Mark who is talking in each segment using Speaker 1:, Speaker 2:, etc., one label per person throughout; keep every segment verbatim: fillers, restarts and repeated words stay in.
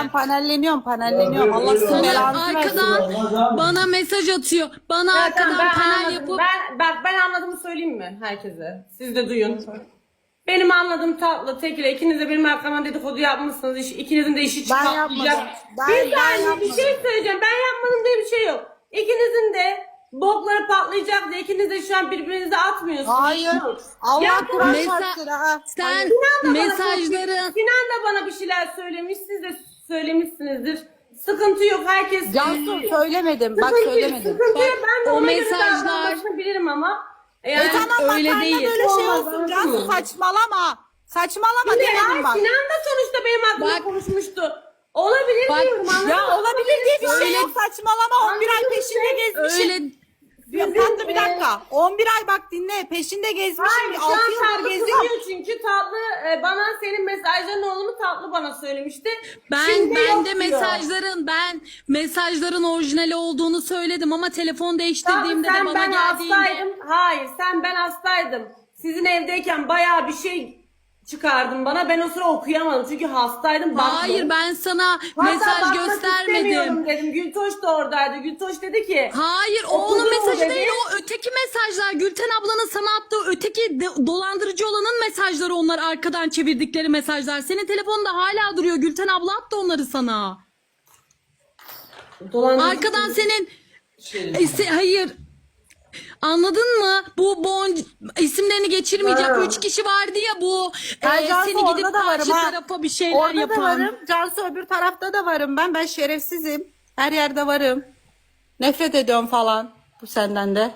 Speaker 1: ben panelleniyorum panelleniyorum.
Speaker 2: Ya,
Speaker 1: Allah
Speaker 2: öyle
Speaker 1: sizin
Speaker 2: olmaz.
Speaker 1: belanızı versin.
Speaker 3: Arkadan bana mesaj atıyor. Bana
Speaker 4: Ya
Speaker 3: arkadan
Speaker 4: tamam, ben
Speaker 3: panel
Speaker 4: anladım.
Speaker 3: yapıp
Speaker 4: Ben, bak ben anladığımı söyleyeyim mi herkese? Siz de duyun. Benim anladığım tatlı tekile ikiniz de benim arkamdan dedikodu yapmışsınız. İş, ikinizin de işi
Speaker 1: Ben
Speaker 4: çıkartmayacak.
Speaker 1: yapmadım. Ben-
Speaker 4: Bir
Speaker 1: ben
Speaker 4: saniye bir
Speaker 1: yapmadım.
Speaker 4: şey söyleyeceğim. Ben yapmadım diye bir şey yok. İkinizin de bokları patlayacak diye ikiniz de şu an birbirinize atmıyorsunuz.
Speaker 1: Hayır. Allah
Speaker 4: Ya,
Speaker 1: Kur'an
Speaker 3: Mesa-
Speaker 1: şartları ha.
Speaker 3: sen
Speaker 4: Sinan da bana
Speaker 3: mesajları
Speaker 4: Sinan da bana bir şeyler söylemiş. Siz de söylemişsinizdir. Sıkıntı yok. Herkes
Speaker 1: Cansu söylemedim. Bak
Speaker 4: Sıkıntı-
Speaker 1: söylemedim.
Speaker 4: Sıkıntı yok. Ben de
Speaker 3: o
Speaker 4: ona göre
Speaker 3: mesajlar-
Speaker 4: davranmasını bilirim ama. Yani,
Speaker 1: E tamam bak
Speaker 3: öyle
Speaker 1: benden
Speaker 3: değil.
Speaker 1: böyle şey
Speaker 4: Olmaz,
Speaker 1: olsun Cansu
Speaker 4: anladın mı?
Speaker 1: saçmalama. Saçmalama
Speaker 4: Şimdi
Speaker 1: demedim
Speaker 4: ya,
Speaker 1: bak.
Speaker 4: Sinan da sonuçta benim hakkımda
Speaker 3: Bak-
Speaker 4: konuşmuştu. Olabilir
Speaker 3: Bak-
Speaker 4: diyorum anladın
Speaker 1: Ya
Speaker 4: mı?
Speaker 1: olabilir diye bir şey
Speaker 3: Öyle-
Speaker 1: yok saçmalama. on bir ay
Speaker 4: Anladın
Speaker 1: peşinde
Speaker 4: mı?
Speaker 1: gezmişim.
Speaker 3: öyle
Speaker 1: Ya, Tatlı bir dakika. on bir ay bak dinle. Peşinde gezmişim.
Speaker 4: Hayır şu
Speaker 1: altı
Speaker 4: an
Speaker 1: yıldır
Speaker 4: tatlı
Speaker 1: geziyorum.
Speaker 4: kızıyor çünkü tatlı e, bana senin mesajların olduğunu tatlı bana söylemişti.
Speaker 3: ben
Speaker 4: Şimdi
Speaker 3: ben
Speaker 4: yok
Speaker 3: de
Speaker 4: diyor.
Speaker 3: mesajların ben mesajların orijinali olduğunu söyledim ama telefon
Speaker 4: Tatlı
Speaker 3: değiştirdiğimde de
Speaker 4: sen
Speaker 3: bana
Speaker 4: ben
Speaker 3: geldiğinde
Speaker 4: hastaydım. Hayır sen ben hastaydım. Sizin evdeyken bayağı bir şey çıkardın bana. Ben o sıra okuyamadım çünkü hastaydım.
Speaker 3: hayır
Speaker 4: bakmadım.
Speaker 3: ben sana
Speaker 4: Hatta
Speaker 3: mesaj
Speaker 4: bakmak
Speaker 3: göstermedim.
Speaker 4: istemiyorum dedim. Gültoş da oradaydı. Gültoş dedi ki
Speaker 3: Hayır o
Speaker 4: Okudun
Speaker 3: onun
Speaker 4: mu
Speaker 3: mesajı
Speaker 4: dedi?
Speaker 3: değil o öteki mesajlar Gülten ablanın sana attığı öteki de- dolandırıcı olanın mesajları onlar arkadan çevirdikleri mesajlar. Senin telefonunda hala duruyor Gülten abla attı onları sana.
Speaker 4: dolandırıcı-
Speaker 3: Arkadan senin E, se- hayır anladın mı? Bu bon isimlerini geçirmeyeceğim.
Speaker 4: Ha.
Speaker 3: Üç kişi vardı ya bu e,
Speaker 1: Ben Cansu
Speaker 3: seni gidip
Speaker 1: orada da varım
Speaker 3: karşı
Speaker 1: ha.
Speaker 3: tarafa bir şeyler
Speaker 1: Orada
Speaker 3: yapan.
Speaker 1: da varım. Cansu öbür tarafta da varım ben. Ben şerefsizim. Her yerde varım. Nefret ediyorum falan. Bu senden de.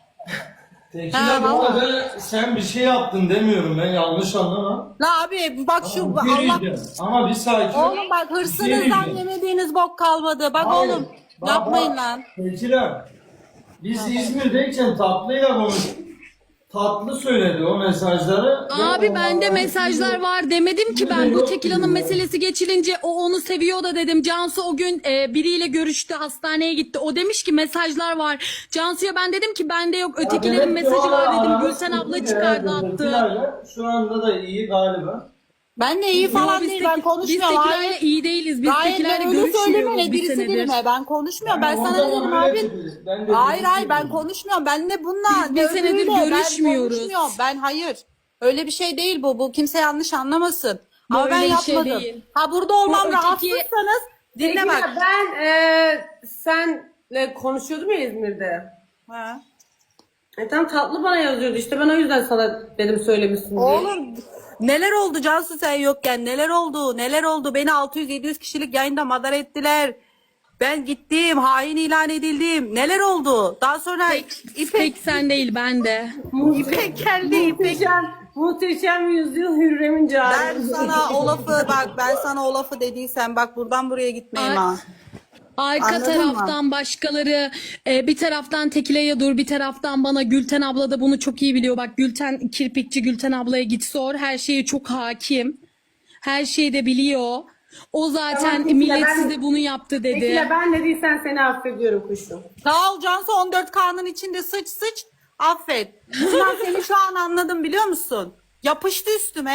Speaker 2: Tekile
Speaker 1: Ha,
Speaker 2: bu
Speaker 1: vallahi.
Speaker 2: arada sen bir şey yaptın demiyorum ben yanlış anlama.
Speaker 1: La abi bak şu
Speaker 2: Ama bir
Speaker 1: Allah.
Speaker 2: diyeceğim. Ama bir sakin. ol.
Speaker 1: Oğlum bak
Speaker 2: Bir
Speaker 1: hırsınızdan
Speaker 2: diyeceğim.
Speaker 1: yemediğiniz bok kalmadı. Bak
Speaker 2: Hayır.
Speaker 1: oğlum
Speaker 2: Bak,
Speaker 1: yapmayın
Speaker 2: bak.
Speaker 1: lan.
Speaker 2: Tekile. Biz İzmir'deyken tatlıyla konuştuk. Tatlı söyledi o mesajları.
Speaker 3: Abi
Speaker 2: Ve
Speaker 3: bende
Speaker 2: onlardan
Speaker 3: mesajlar
Speaker 2: hiçbiri-
Speaker 3: var demedim ki ben bu
Speaker 2: yok
Speaker 3: tekilanın
Speaker 2: dedim.
Speaker 3: meselesi geçilince o onu seviyor da dedim. Cansu o gün e, biriyle görüştü hastaneye gitti. O demiş ki mesajlar var. Cansu'ya ben dedim ki bende yok
Speaker 2: Ya
Speaker 3: ötekilerin
Speaker 2: demek ki
Speaker 3: mesajı
Speaker 2: o
Speaker 3: var dedim.
Speaker 2: aranız
Speaker 3: Gülten abla
Speaker 2: sıkıntı
Speaker 3: çıkardı
Speaker 2: herhalde
Speaker 3: attı.
Speaker 2: Tekilayla. Şu anda da iyi galiba.
Speaker 1: Ben de iyi falan
Speaker 3: Yo,
Speaker 1: değil
Speaker 3: biz
Speaker 1: ben
Speaker 3: tek-
Speaker 1: konuşmuyorum.
Speaker 3: Biz
Speaker 1: Hayır.
Speaker 3: tekilayla iyi değiliz. Biz
Speaker 1: Hayır
Speaker 3: tekilayla
Speaker 1: ben öyle söyleme
Speaker 3: görüşmüyoruz
Speaker 1: ne
Speaker 3: bir
Speaker 1: birisi
Speaker 3: senedir.
Speaker 1: değilim he. Ben konuşmuyorum. Ben
Speaker 2: Yani
Speaker 1: sana
Speaker 2: o
Speaker 1: dedim
Speaker 2: zaman öyle
Speaker 1: abi.
Speaker 2: dediniz. Ben de
Speaker 1: Hayır
Speaker 2: dedim
Speaker 1: hayır
Speaker 2: ki-
Speaker 1: ben konuşmuyorum. Ben ne bununla
Speaker 3: Biz bir
Speaker 1: ne
Speaker 3: senedir
Speaker 1: öbürüyle,
Speaker 3: görüşmüyoruz.
Speaker 1: Ben konuşmuyorum. Ben hayır. Öyle bir şey değil bu. Bu kimse yanlış anlamasın. Ama
Speaker 3: Böyle
Speaker 1: ben
Speaker 3: bir şey
Speaker 1: yapmadım.
Speaker 3: değil.
Speaker 1: Ha burada olmam
Speaker 3: O öteki-
Speaker 1: rahatsızsanız dinle
Speaker 4: Peki
Speaker 1: bak.
Speaker 4: ya ben e, senle konuşuyordum ya İzmir'de.
Speaker 1: Ha.
Speaker 4: E tam tatlı bana yazıyordu işte ben o yüzden sana dedim söylemişsin diye.
Speaker 1: Oğlum neler oldu Cansu sen yokken neler oldu neler oldu beni altı yüz yedi yüz kişilik yayında madara ettiler. Ben gittim hain ilan edildim neler oldu daha sonra
Speaker 3: İpek
Speaker 1: İpek,
Speaker 3: sen değil ben de.
Speaker 1: İpek geldi İpek.
Speaker 4: Muhteşem, muhteşem yüzyıl Hürrem'in
Speaker 1: Ben
Speaker 4: cari.
Speaker 1: sana o lafı bak ben sana o lafı dediysem bak buradan buraya gitmeyeyim
Speaker 3: Ay-
Speaker 1: ha.
Speaker 3: Arka
Speaker 1: Anladın mı?
Speaker 3: taraftan başkaları e, bir taraftan Tekile'ye dur bir taraftan bana Gülten abla da bunu çok iyi biliyor. Bak Gülten kirpikçi Gülten ablaya git sor her şeye çok hakim. Her şeyi de biliyor. O zaten
Speaker 4: Tamam, Tekile,
Speaker 3: millet
Speaker 4: ben-
Speaker 3: size bunu yaptı dedi.
Speaker 4: Peki ya ben ne değilsen seni affediyorum kuşum.
Speaker 1: Sağ ol Cansu on dört K'nın içinde sıç sıç affet. Sinan seni şu an anladım biliyor musun? Yapıştı üstüme.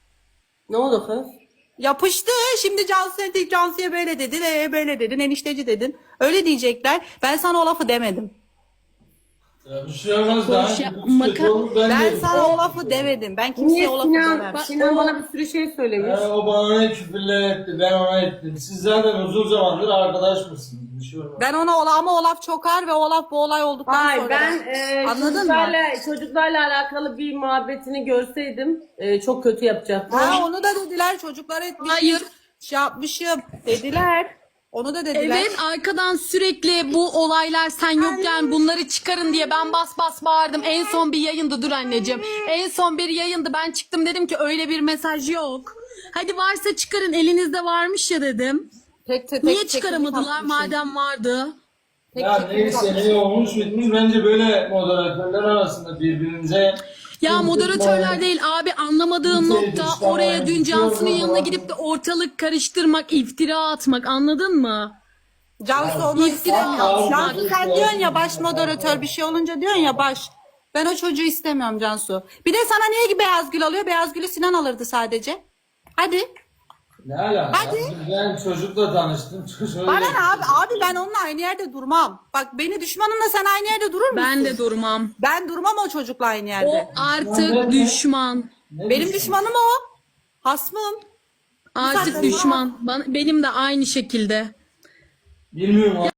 Speaker 4: Ne oldu kız?
Speaker 1: Yapıştı. Şimdi Cansu'ya Cansu'ya böyle dedin, ee, böyle dedin, enişteci dedin. Öyle diyecekler. Ben sana o lafı demedim.
Speaker 2: Ya bir şey olmaz daha.
Speaker 3: Boş
Speaker 2: önce
Speaker 3: yapma,
Speaker 2: bu
Speaker 3: maka-
Speaker 2: doğru ben
Speaker 1: Ben
Speaker 2: dedim.
Speaker 1: sana o lafı demedim. Ben
Speaker 4: Niye
Speaker 1: kimseye o lafı
Speaker 4: Sinan,
Speaker 1: demem.
Speaker 4: Sinan bana bir sürü şey söylemiş.
Speaker 2: He, o bana ne küfürler etti, ben ona ettim. Siz zaten uzun zamandır arkadaş mısınız? Bir şey olmaz.
Speaker 1: Ben ona ola ama o laf çok ağır ve o laf bu olay olduktan
Speaker 4: Hayır
Speaker 1: sonra.
Speaker 4: ben e,
Speaker 1: Anladın mı?
Speaker 4: çocuklarla, çocuklarla alakalı bir muhabbetini görseydim e, çok kötü yapacaktım.
Speaker 1: Ha onu da dediler çocuklar etmiş.
Speaker 3: Hayır.
Speaker 1: Şey yapmışım dediler. Onu da dediler.
Speaker 3: Evet arkadan sürekli bu olaylar sen yokken bunları çıkarın diye ben bas bas bağırdım. En son bir yayındı dur anneciğim. En son bir yayındı ben çıktım dedim ki öyle bir mesaj yok. Hadi varsa çıkarın elinizde varmış ya dedim.
Speaker 1: Tek, tek,
Speaker 3: Niye
Speaker 1: tek-
Speaker 3: çıkaramadılar
Speaker 1: tek-
Speaker 3: madem vardı?
Speaker 1: tek-
Speaker 2: Ya
Speaker 1: tek-
Speaker 2: neyse ne olmuş bitmiş bence böyle moderatörler arasında birbirinize
Speaker 3: Ya moderatörler değil abi anlamadığım
Speaker 2: Kimse
Speaker 3: nokta
Speaker 2: dışlama,
Speaker 3: oraya dün
Speaker 2: kimse
Speaker 3: Cansu'nun
Speaker 2: yorma
Speaker 3: yanına
Speaker 2: falan.
Speaker 3: gidip de ortalık karıştırmak, iftira atmak anladın mı?
Speaker 1: Cansu onu istemiyorum.
Speaker 2: Aa,
Speaker 1: Cansu sen
Speaker 2: aa,
Speaker 1: diyorsun ya baş moderatör bir şey olunca diyorsun ya baş. Ben o çocuğu istemiyorum Cansu. Bir de sana niye ki beyaz gül alıyor? Beyaz gülü Sinan alırdı sadece. Hadi.
Speaker 2: Ne alaka?
Speaker 1: Hadi.
Speaker 2: Ben çocukla tanıştım. Çocuğu
Speaker 1: Bana ne abi? Abi ben onunla aynı yerde durmam. Bak beni düşmanımla sen aynı yerde durur musun?
Speaker 3: Ben de durmam.
Speaker 1: Ben durmam o çocukla aynı
Speaker 3: O
Speaker 1: yerde.
Speaker 3: artık düşman.
Speaker 2: Ne
Speaker 1: Benim
Speaker 2: düşün-
Speaker 1: düşmanım o. Hasmım.
Speaker 3: Artık
Speaker 1: Zaten
Speaker 3: düşman. Bana, benim de aynı şekilde.
Speaker 2: Bilmiyorum.